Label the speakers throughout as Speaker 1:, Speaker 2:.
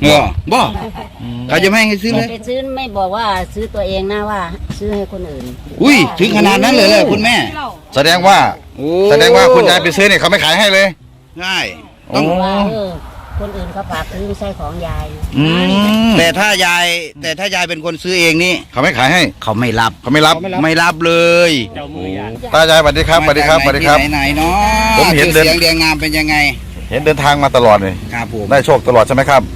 Speaker 1: บ่เขาจะไม่ให้ซื้อเลย
Speaker 2: ไปซื้อไม่บอกว่าซื้อตัวเองนะว่า ซื้อให้คนอื่น
Speaker 1: อุ้ยถึงขนาดนั้นเลยเลยคุณแม่
Speaker 3: แสดงว่าคุณยายไปซื้อเนี่ยเขาไม่ขายให้เลย
Speaker 1: ง่ายต้อง
Speaker 2: ว่าคนอื่นเขาฝากซื้อไม่ใช่ของยาย
Speaker 1: แต่ถ้ายายเป็นคนซื้อเองนี่
Speaker 3: เขาไม่ขายให้
Speaker 1: เขาไม่รับ
Speaker 3: ไม่รับ
Speaker 1: เลย
Speaker 3: ตายายสวัสดีครับสวัสดีครับสวัสดีครับ
Speaker 1: ไหนเนาะ
Speaker 3: ผมเห็นเดิน
Speaker 1: เสียงเรียงงามเป็นยังไง
Speaker 3: เห็นเดินทางมาตลอดเลย
Speaker 1: ครับผม
Speaker 3: ได้โชคตลอดใช่ไหมครับ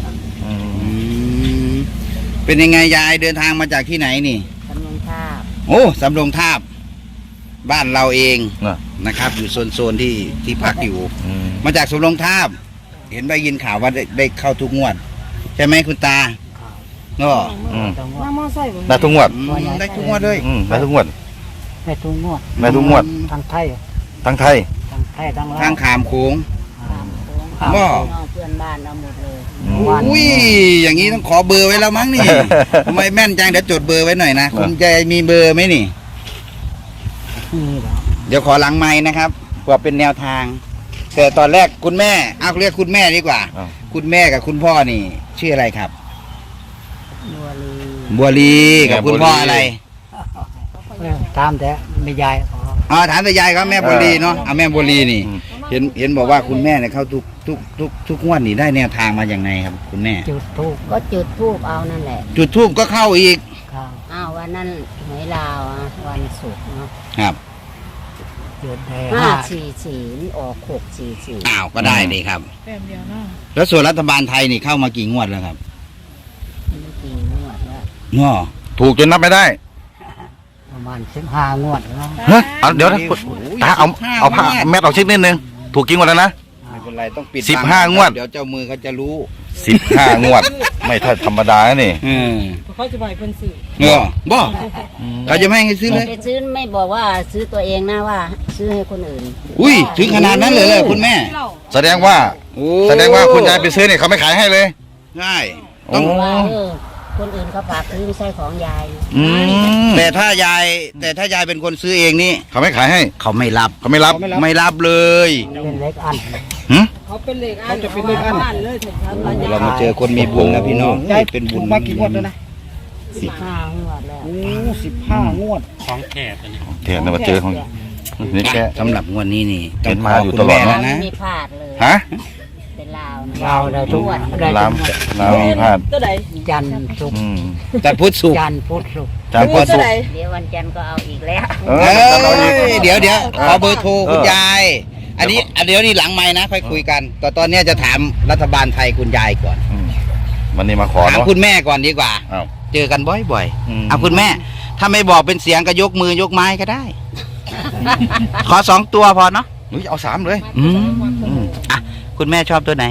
Speaker 1: เป็นยังไงยายเดินทางมาจากที่ไหนนี่
Speaker 2: สำนงท่า
Speaker 1: โอ้สำโรงทาบบ้านเราเอง
Speaker 3: นะ
Speaker 1: นะครับ อยู่โซนที่พักอยู่ มาจากสำโรงทาบเห็นได้ยินข่าวว่าได้เข้าทุกงวด ใช่ไหมคุณตาก็
Speaker 2: น้ำมอไซค์
Speaker 3: ได้ทุกงวด
Speaker 1: ได้ทุกงวดเลย
Speaker 3: ได้ทุกงวด
Speaker 2: ได้ทุกงวด
Speaker 3: ได้ทุกงวด
Speaker 2: ทางไทย
Speaker 3: ทั้งไทย
Speaker 2: ทางไทยทางลาว
Speaker 1: ทางขามโค้ง
Speaker 2: บ่
Speaker 1: บ่
Speaker 2: เพื่อนบ้านเอาหมดเลย
Speaker 1: อุ้ยอย่างนี้ต้องขอเบอร์ไว้แล้วมั้งนี่ทำไมแม่นจังเดี๋ยวจดเบอร์ไว้หน่อยนะคุณยายมีเบอร์ไหมนี่
Speaker 2: นี่เหรอ
Speaker 1: เดี๋ยวขอหลังไม้นะครับเพื่อเป็นแนวทาง แต่ตอนแรกคุณแม่เอาเรียกคุณแม่ดีกว่า
Speaker 3: อ้าว
Speaker 1: คุณแม่กับคุณพ่อนี่ ชื่ออะไรครับ
Speaker 2: บัวลี
Speaker 1: บัวลีกับคุณพ่ออะไร
Speaker 2: ตามแต่ไม่ยาย
Speaker 1: อ๋อถามแต่ยายครับแม่บัวลีเนาะเอาแม่บัวลีนี่ เห็นบอกว่าคุณแม่เนี่ยเข้าทุกงวดนี่ได้แนวทางมาอย่างไงครับ คุณแม่
Speaker 2: จุดทูบก็จุดทูบเอานั่นแหละ
Speaker 1: จุดทูบก็เข้าอีก
Speaker 2: อ้าววันนั้นหวยลาวอ่ะวันศุกร์เนาะ
Speaker 1: ครับ
Speaker 2: จุดได้544ออก644
Speaker 1: อ้าวก็ได้เลยครับ
Speaker 4: แต้มเดียวเนาะ
Speaker 1: แล้วส่วนรัฐบาลไทยนี่เข้ามากี่งวดแล้วครับ
Speaker 2: ไม่กี่งวดแล้ว
Speaker 1: เนาะ
Speaker 3: ถูกจนนับไม่ได้
Speaker 2: ประมาณ15งวดแล้ว
Speaker 3: ฮะเอาเดี๋ยวนะตาเอาผ้าแมทออกชิ้นนิดนึงถูกกี่งวดแล้วนะ
Speaker 1: ไม่เป็นไรต้องปิด
Speaker 3: 15งวด
Speaker 1: เดี๋ยวเจ้ามือเขาจะรู้
Speaker 3: 15 งวด ไม่ถ้าธรรมดานะนี่
Speaker 4: เขาจะไปเพิ่นซื้อ
Speaker 1: บ่เขาจะไม่ให้ซื้อเลย
Speaker 2: ไปซื้อไม่บอกว่าซื้อตัวเองนะว่า ซื้อให้คนอื่น
Speaker 1: อุ้ยถึงขนาดนั้นเลยเลยคุณแม่
Speaker 3: แสดงว่าคุณยายไปซื้อเนี่ยเขาไม่ขายให้เลย
Speaker 1: ง่าย
Speaker 3: ต้
Speaker 1: ต้
Speaker 3: อ
Speaker 1: อง ง
Speaker 2: ว่าคนอื่นเขาฝากซื้อไม่ใช่ของยาย
Speaker 1: แต่ถ้ายายเป็นคนซื้อเองนี่
Speaker 3: เขาไม่ขายให้
Speaker 1: เขาไม่รับ
Speaker 3: เขาไม่รับ
Speaker 1: ไม่รับเลย
Speaker 2: เป็นเล็กอัน
Speaker 4: เขาเป็นเหล็กอันเขาจะเป็นเหล็กอันเลยถึงทำ
Speaker 1: เรามาเจอคนมีบุญแล้วพี่น้องเป็นบุญ
Speaker 5: มากี่งวดแล้วนะ
Speaker 2: 15งวดแล้ว
Speaker 5: โอ้15 งวด
Speaker 3: เทียนมาเจอของนี่แก
Speaker 1: สำหรับงวดนี้นี่
Speaker 3: เห็นมาอยู่ตลอด
Speaker 1: คุณแม่
Speaker 3: เนอะ
Speaker 1: นะ
Speaker 2: ไม่พลาดเลย
Speaker 3: ฮะ
Speaker 2: เป็นลาวนะลาวได้ทุกวัน
Speaker 3: ลามมีพลาด
Speaker 4: ตัวใด
Speaker 2: จันทร์ศุกร์
Speaker 1: แต่พุทธสุข
Speaker 2: จันทร์พุธศุกร์
Speaker 3: จานพ่อ
Speaker 4: ตั
Speaker 3: สุ
Speaker 4: ว
Speaker 3: ก
Speaker 4: ใด
Speaker 2: เดี๋ยววันจันทร์ก็เอาอีกแล้ว
Speaker 1: เดี๋ยวขอเบอร์โทรคุณยาย อันนี้เดี๋ยวนี่หลังไม้นะค่อยคุยกันแต่ตอนนี้จะถามรัฐบาลไทยคุณยายก่อน
Speaker 3: วันนี้มาขอ
Speaker 1: ถาม
Speaker 3: เนาะ
Speaker 1: คุณแม่ก่อนดีกว่า
Speaker 3: อ้าว
Speaker 1: เจอกันบ่อย
Speaker 3: ม
Speaker 1: ๆเอาคุณแม่ ถ้าไม่บอกเป็นเสียงก็ยกมือยกไม้ก็ได้ ขอ2 ตัวพอเนาะ
Speaker 3: เฮ้ยเอา3เลย
Speaker 1: อ่ะคุณแม่ชอบตัวไหน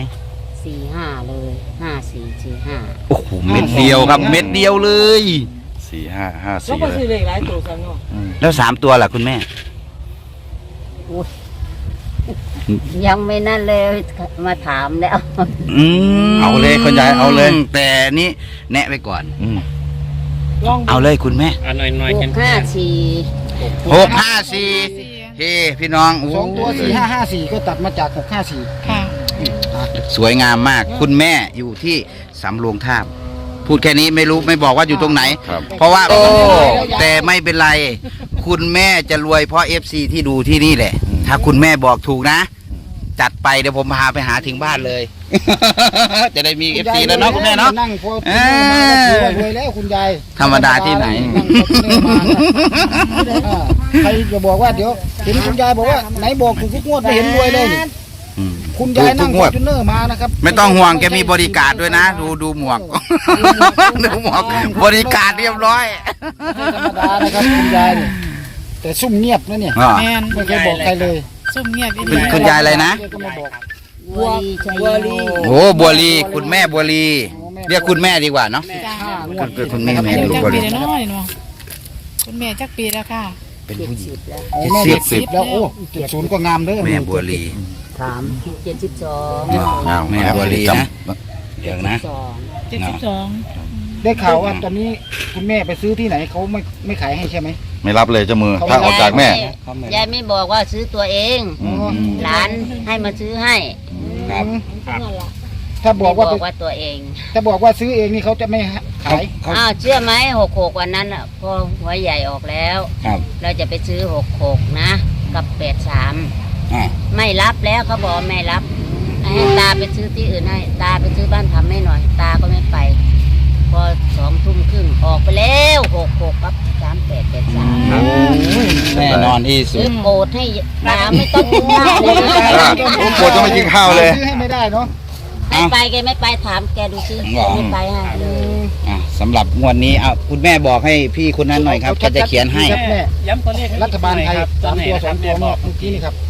Speaker 2: 45เลย5445
Speaker 1: โอ้โหเม็ดเดียวครับเม็ดเดียวเลย
Speaker 3: 4 5 5
Speaker 4: แล้ว
Speaker 3: 4
Speaker 4: ก็
Speaker 3: เล
Speaker 4: ซื้อย เหล็กหลายตัวกันเนาะ
Speaker 1: แล้ว3 ตัวล่ะคุณแม่
Speaker 2: ยังไม่นั่นเลยมาถามแล้ว
Speaker 3: เอาเลยคุณยายเอาเลย
Speaker 1: แต่นี่แนะไปก่อน
Speaker 4: ลอง
Speaker 1: เอาเลยคุณแม่
Speaker 2: 654
Speaker 1: 654เฮ้พี่น้อง
Speaker 5: 2 ตัว 4554 ก็ตัดมาจาก 654
Speaker 4: ค่ะ
Speaker 1: สวยงามมาก คุณแม่อยู่ที่สำโรงทาบพูดแค่นี้ไม่บอกว่าอยู่ตรงไหน
Speaker 3: ครับ
Speaker 1: เพราะว่าแต่ไม่เป็นไร คุณแม่จะรวยเพราะ FC ที่ดูที่นี่แหละ ถ้าคุณแม่บอกถูกนะ จัดไปเดี๋ยวผมพาไปหาถึงบ้านเลย จะได้มี FC แล้วเนาะคุณแม่เนาะ
Speaker 5: นั่งพอคุณแม่มาก็ถือว่ารวยแล้วคุณยาย
Speaker 1: ธรรมดาที่ไหน
Speaker 5: นั่งพอคุณแม่มาใครจะบอกว่าเดี๋ยวเห็นคุณยายบอกว่าไหนบอกถูกทุกงวดไม่เห็นรวยเลยนี่คุณยายนั่ง
Speaker 3: ถูกทุกงวด
Speaker 5: ฟอร์จูเนอร์มานะครับ
Speaker 1: ไม่ต้องห่วงแกมีบริการด้วยนะ ดูหมวก ดูหมวกบริการเรียบร้อย
Speaker 5: ไม่ธรรมดานะครับคุณยายนี่แต่ซุ่มเงียบนะเนี่ย
Speaker 1: อ๋อ
Speaker 4: แมน
Speaker 5: ไม่เคยบอกใครเลย
Speaker 4: ส้มเงียบอี
Speaker 1: คุณ
Speaker 4: ดี
Speaker 1: คุณยายอะไรนะ
Speaker 5: แกก็ไม่บอก
Speaker 2: บัวลีชัยโย
Speaker 1: โอ้บัวลีคุณแม่บัวลีเรียกคุณแม่ดีกว่าเนาะ
Speaker 5: 5 งวด
Speaker 1: คุณแม่แม่
Speaker 4: อายุ
Speaker 1: ลูก
Speaker 4: จัก
Speaker 1: บัว
Speaker 4: ปี
Speaker 1: ลี
Speaker 4: แล้วเนาะนี่เนาะคุณแม่จักปีแล้วค่ะ
Speaker 1: เป็นผู้หญิง
Speaker 2: 70แล้ว
Speaker 5: โอ้แม่ 70แล้วโอ้70ก็งามเด้อ
Speaker 1: แม่บัวลี
Speaker 2: ถาม72
Speaker 1: แม่บัวลีนะเดี๋ยวนะ
Speaker 4: 72
Speaker 5: ได้ข่าวว่าตอนนี้คุณแม่ไปซื้อที่ไหนเขาไม่ขายให้ใช่ไหม
Speaker 3: ไม่รับเลยเจ้ามือถ้าออกจากแม่
Speaker 2: ยายไม่บอกว่าซื้อตัวเอง
Speaker 3: อืม
Speaker 2: หลานให้มาซื้อให้
Speaker 1: ครับ
Speaker 5: ถ้าบอกว่า
Speaker 2: ไม่ว่าตัวเอง
Speaker 5: ถ้าบอกว่าซื้อเองนี่เขาจะไม่ขาย
Speaker 2: อ้าวเชื่อไหม66วันนั้นอ่ะพอหัวใหญ่ออกแล้ว
Speaker 1: ครับ
Speaker 2: เราจะไปซื้อ66นะกับ83
Speaker 1: อ่า
Speaker 2: ไม่รับแล้วเขาบอกไม่รับให้ตาไปซื้อที่อื่นให้ตาไปซื้อบ้านทำให้หน่อย ตาก็ไม่ไป พอ2 ทุ่มครึ่งออกไปแล้ว66กับ3883
Speaker 1: แน่นอนที่สุ
Speaker 2: ซื้
Speaker 1: ด
Speaker 2: อโกรธให้ตาไม่ต้องกินข้าวเลย
Speaker 3: ผมปวดจะไม่กินข้าวเลย
Speaker 5: ซื้อให้ไม่ได้เนาะ
Speaker 2: ไม่ไปแกไม่ไปถามแกดูซิแกไม่ไปให้
Speaker 1: อ่ะสำหรับงวดนี้เอาคุณแม่บอกให้พี่คนนั้นหน่อยครับแกจะเขียนให้
Speaker 5: ครับแม่
Speaker 4: ย้ำตัวเลข
Speaker 5: รัฐบาลไทย3 ตัว 2 ตัวเมื่อกี้นี่ครับ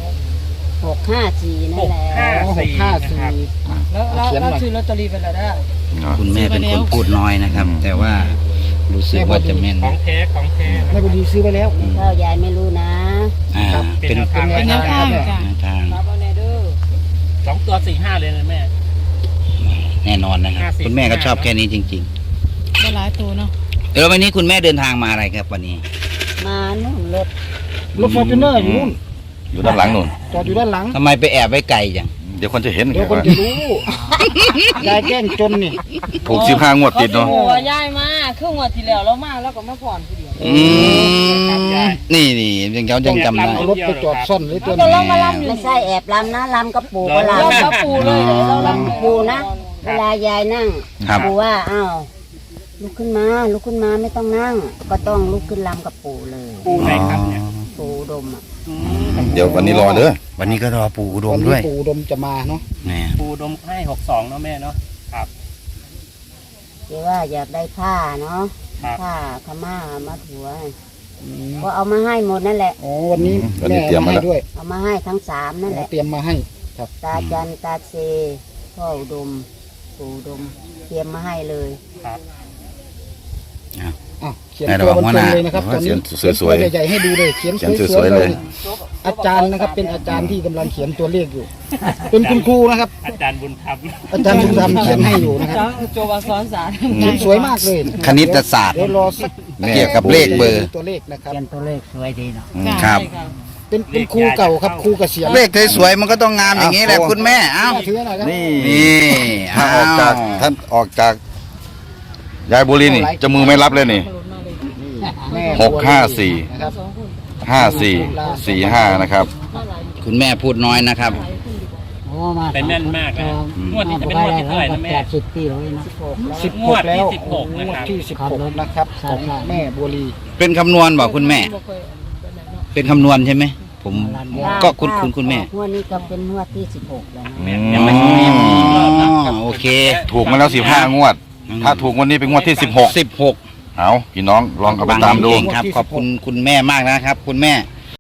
Speaker 2: 654นั่นแหละ
Speaker 5: 654
Speaker 4: แล้ว
Speaker 5: เขียนหน่อย
Speaker 4: เราซื้อลอตเตอรี่ไปแล้วได้
Speaker 1: คุณแม่เป็นคนพูดน้อยนะครับ แต่ว่ารู้สึกว่าจะแม่น
Speaker 4: ของแท้ของแท้
Speaker 5: แม่บุญดีซื้อไปแล้ว
Speaker 2: ข้าวยายไม่รู้นะ
Speaker 1: อ่าเป็น
Speaker 5: เป็นแนวทางครับแม่
Speaker 1: แนวทาง
Speaker 4: ครับเอาแน่เด้อ2 ตัว 4-5 เลยนะแม่
Speaker 1: แน่นอนนะครับ
Speaker 4: 50
Speaker 1: คุณแม่ก็ชอบแค่นี้จริง
Speaker 6: ได้หลายตัวเนาะ
Speaker 1: ๆแล้ววันนี้คุณแม่เดินทางมาอะไรครับวันนี้
Speaker 2: มานู่นรถ
Speaker 5: รถฟอร์จูเนอร์อยู่นู่น
Speaker 3: อยู่ด้านหลังนู่น
Speaker 5: จอดอยู่ด้านหลัง
Speaker 1: ทำไมไปแอบไว้ไกลจัง
Speaker 3: เดี๋ยวคนจะเห็น
Speaker 5: เดี๋ยวคนจะรู้ยายแกล้งจนนี่
Speaker 3: ถูก15 งวดติดเนาะ
Speaker 4: โอ้ยายมาครึ่งวันที่แล้วเรามาแล้วก็มาผ่อนทีเดียว
Speaker 1: อืมนี่ยังเขายังจำได้
Speaker 5: เอารถไปจอดซ่อนเลยตัว
Speaker 4: ก็
Speaker 5: นี้
Speaker 4: ลองมาลำอยู่
Speaker 2: ไม่ใช่แอบลำนะลำกับปู่ก็
Speaker 4: เรา
Speaker 2: ลำ
Speaker 4: ก็ปูเลยเราลำ
Speaker 2: ปู่นะ เวลายายนั่ง
Speaker 1: ครับ
Speaker 2: ปู่ว่าอ้าวลุกขึ้นมาลุกขึ้นมาไม่ต้องนั่ง ก็ต้องลุกขึ้นลำกับปู่เลย
Speaker 4: ปูไหนครับเนี่ย
Speaker 2: ปู่ดมอ่ะ
Speaker 3: เดี๋ยววันนี้รอเด้อ
Speaker 1: วันนี้ก็รอปู่อุด
Speaker 5: วั
Speaker 1: ม
Speaker 5: น
Speaker 1: ด้
Speaker 5: นี้
Speaker 1: วย
Speaker 5: ปู่อุดมจะมาเนาะ
Speaker 1: แน่
Speaker 4: ปูดมให้62เนาะแม่เนาะครับ
Speaker 2: เดี๋ยวว่าอยากได้ผ้าเนาะ
Speaker 4: ครับ
Speaker 2: ผ้าขม่ามาถัวก็เอามาให้หมดนั่นแหละ
Speaker 5: อ๋อวันนี้
Speaker 3: วันนี้
Speaker 5: แม่
Speaker 3: เตรียม
Speaker 5: มา
Speaker 3: มา
Speaker 5: ให้
Speaker 3: แล้ว
Speaker 5: ด้วย
Speaker 2: เอามาให้ทั้ง3นั่นแหละ
Speaker 5: เตรียมมาให้ครับ
Speaker 2: ตาจันตาเซพ่ออุดมปู่อุดมเตรียมมาให้เลย
Speaker 4: ครับ
Speaker 5: อ้าวเขียนตัวบนตรงเลยนะครับตอนนี้
Speaker 3: เขียนสวยๆ
Speaker 5: ใหญ่ๆให้ดูเลยเขียน
Speaker 3: เขียน
Speaker 5: ส
Speaker 3: ส
Speaker 5: ว
Speaker 3: วย ย
Speaker 5: ๆ
Speaker 3: ๆ
Speaker 5: เล
Speaker 3: เลย ย
Speaker 5: อาจารย์นะครับเป็นอาจารย์ที่กำลังเขียนตัวเลขอยู่ เป็นคุณครูนะครับ
Speaker 4: อาจารย์บุญธรรม
Speaker 5: อาจารย์บุญธรรมเขียนให้อยู่นะครับ
Speaker 4: โจวสอนศาสตร์
Speaker 5: เขียนสวยมากเลย
Speaker 1: คณิตศาสตร์
Speaker 5: เดี๋ยวรอสัก
Speaker 1: เกี่ยวกับเลขเบอร์
Speaker 5: ตัวเลขนะครับ
Speaker 2: เขียนตัวเลขสวยดีเนาะ
Speaker 1: ครับ
Speaker 5: เป็นครูเก่าครับครูเกษียณ
Speaker 1: เลขสวยๆมันก็ต้องงามอย่างนี้แหละคุณแม่เอ้า
Speaker 5: ถือหน่อยครับ
Speaker 3: นี่
Speaker 1: นี่
Speaker 3: ถ้าออกจากท่านออกจากยายบุรีนี่จะมือไม่รับเลยนี่
Speaker 5: แม่
Speaker 3: 654
Speaker 5: นะครับ
Speaker 3: 5445นะครับ
Speaker 1: คุณแม่พูดน้อยนะครับ
Speaker 4: เป็นแน่นมากนะงวดนี้จะเป็นงวดที่เท่าไหร่นะแม่
Speaker 5: 16
Speaker 4: งวดที่
Speaker 5: แล้ว
Speaker 4: 16
Speaker 5: ง
Speaker 4: นะ
Speaker 5: วด
Speaker 4: ครับ
Speaker 5: ที่16นะครับของแม่บัวลี
Speaker 1: เป็นคำนวณบอกคุณแม่ เป็นคำนวณใช่ไหมผมก็คุณแม่
Speaker 2: งวดนี้ก็เป็นงวดที่16แล้วนะ
Speaker 4: ยังไม่ถึงอีกรอบนะ
Speaker 1: โอเค
Speaker 3: ถูกมาแล้ว15 งวด ถ้าถูกวันนี้เป็นงวดที่ 16
Speaker 1: 16
Speaker 3: เอาพี่น้องลองเอาไปตามดู
Speaker 1: เก่งครับ ขอบคุณคุณแม่มากนะครับ คุณแม่